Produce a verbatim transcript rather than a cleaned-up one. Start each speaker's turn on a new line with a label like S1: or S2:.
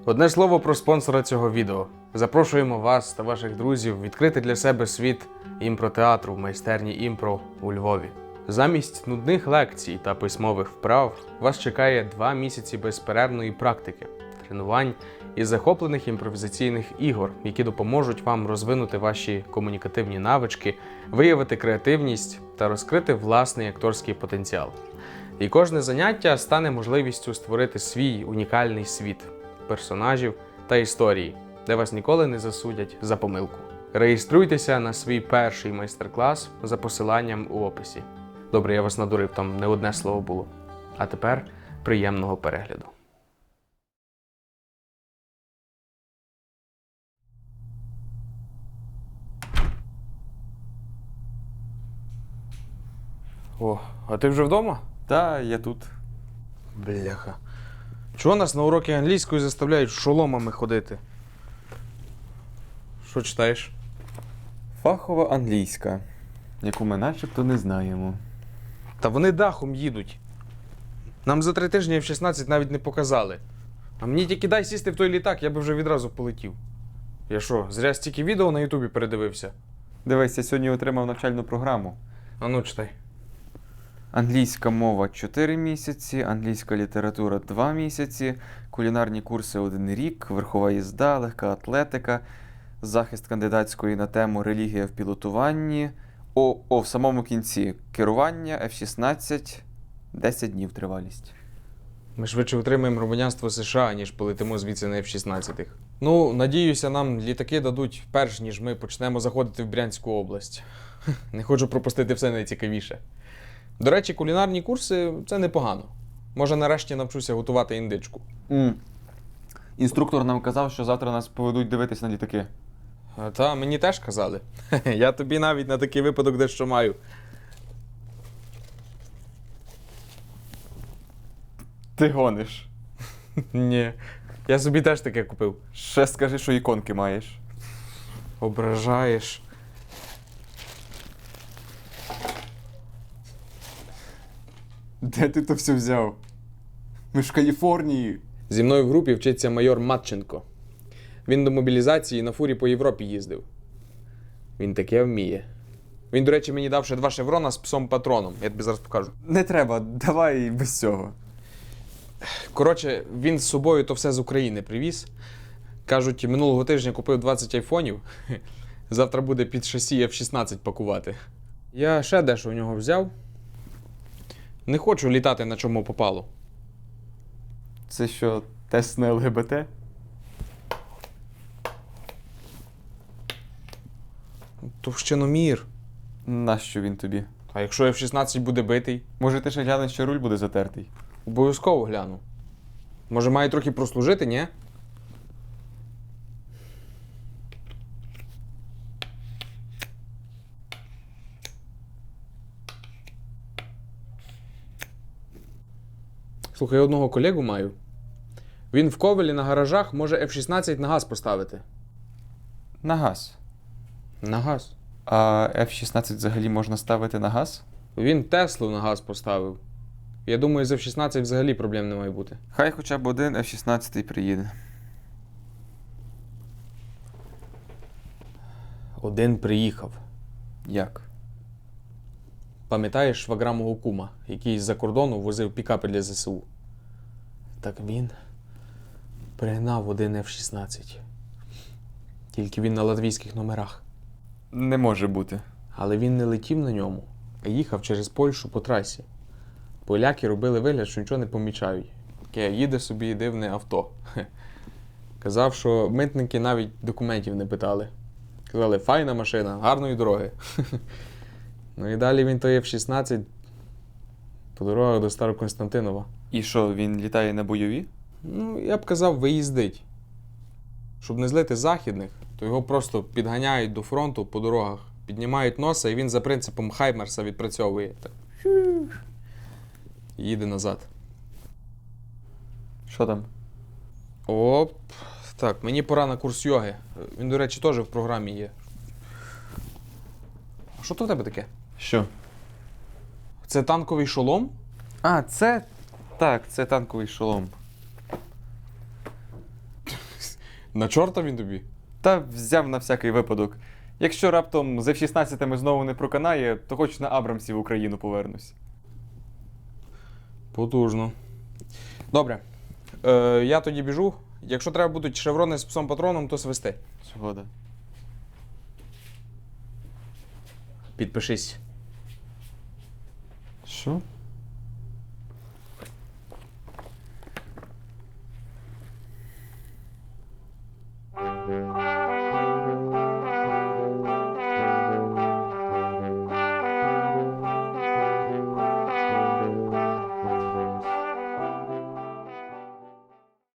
S1: Одне слово про спонсора цього відео. Запрошуємо вас та ваших друзів відкрити для себе світ імпротеатру в майстерні імпро у Львові. Замість нудних лекцій та письмових вправ вас чекає два місяці безперервної практики, тренувань і захоплених імпровізаційних ігор, які допоможуть вам розвинути ваші комунікативні навички, виявити креативність та розкрити власний акторський потенціал. І кожне заняття стане можливістю створити свій унікальний світ персонажів та історії, де вас ніколи не засудять за помилку. Реєструйтеся на свій перший майстер-клас за посиланням у описі. Добре, я вас надурив, там не одне слово було. А тепер приємного перегляду. О, а ти вже вдома?
S2: Та, я тут.
S1: Бляха. Чого нас на уроки англійської заставляють шоломами ходити? Що читаєш?
S2: Фахова англійська, яку ми начебто не знаємо.
S1: Та вони дахом їдуть. Нам за три тижні еф шістнадцять навіть не показали. А мені тільки дай сісти в той літак, я би вже відразу полетів. Я що, зря стільки відео на Ютубі передивився?
S2: Дивись, я сьогодні отримав навчальну програму.
S1: А ну, читай.
S2: Англійська мова чотири місяці, англійська література два місяці, кулінарні курси один рік, верхова їзда, легка атлетика, захист кандидатської на тему релігія в пілотуванні. О, о, в самому кінці керування еф шістнадцять, десять днів тривалість.
S1: Ми швидше отримаємо громадянство США, ніж полетимо звідси на еф шістнадцять. Ну, надіюся, нам літаки дадуть перш, ніж ми почнемо заходити в Брянську область. Не хочу пропустити все найцікавіше. До речі, кулінарні курси – це непогано. Може, нарешті навчуся готувати індичку.
S2: Mm. Інструктор нам казав, що завтра нас поведуть дивитись на літаки.
S1: Та, мені теж казали. Я тобі навіть на такий випадок дещо маю.
S2: Ти гониш.
S1: Ні, я собі теж таке купив.
S2: Ще скажи, що іконки маєш.
S1: Ображаєш.
S2: Де ти то все взяв? Ми ж в Каліфорнії.
S1: Зі мною в групі вчиться майор Матченко. Він до мобілізації на фурі по Європі їздив. Він таке вміє. Він, до речі, мені дав ще два шеврона з псом-патроном. Я тобі зараз покажу.
S2: Не треба, давай без цього.
S1: Коротше, він з собою то все з України привіз. Кажуть, минулого тижня купив двадцять айфонів. Завтра буде під шасі еф шістнадцять пакувати. Я ще дещо у нього взяв. Не хочу літати на чому попало.
S2: Це що, тест на ел ге бе те?
S1: Товщиномір.
S2: Нащо він тобі?
S1: А якщо еф шістнадцять буде битий?
S2: Може, ти ще глянеш, що руль буде затертий?
S1: Обов'язково гляну. Може, має трохи прослужити, ні? Слухай, я одного колегу маю. Він в Ковелі на гаражах може еф шістнадцять на газ поставити.
S2: На газ.
S1: На газ?
S2: А еф шістнадцять взагалі можна ставити на газ?
S1: Він Теслу на газ поставив. Я думаю, з еф шістнадцять взагалі проблем не має бути.
S2: Хай хоча б один еф шістнадцять приїде.
S1: Один приїхав.
S2: Як?
S1: Пам'ятаєш швагра мого кума, який з-за кордону возив пікапи для зе се у? Так він пригнав один еф шістнадцять. Тільки він на латвійських номерах.
S2: Не може бути.
S1: Але він не летів на ньому, а їхав через Польщу по трасі. Поляки робили вигляд, що нічого не помічають. Таке їде собі дивне авто. Хе. Казав, що митники навіть документів не питали. Казали, файна машина, гарної дороги. Ну і далі він той еф шістнадцять по дорогах до Староконстантинова.
S2: І що, він літає на бойові?
S1: Ну, я б казав, виїздить. Щоб не злити західних, то його просто підганяють до фронту по дорогах, піднімають носа, і він за принципом Хаймерса відпрацьовує. Так. Їде назад.
S2: Що там?
S1: Оп. Так, мені пора на курс йоги. Він, до речі, теж в програмі є. А що то в тебе таке?
S2: Що?
S1: Це танковий шолом?
S2: А, це? Так, це танковий шолом.
S1: На чорта він тобі?
S2: Та взяв на всякий випадок. Якщо раптом з еф шістнадцять знову не проканає, то хоч на Абрамсі в Україну повернусь.
S1: Потужно. Добре. Е, я тоді біжу. Якщо треба будуть шеврони з псом патроном, то свисти.
S2: Згода.
S1: Підпишись.
S2: Що?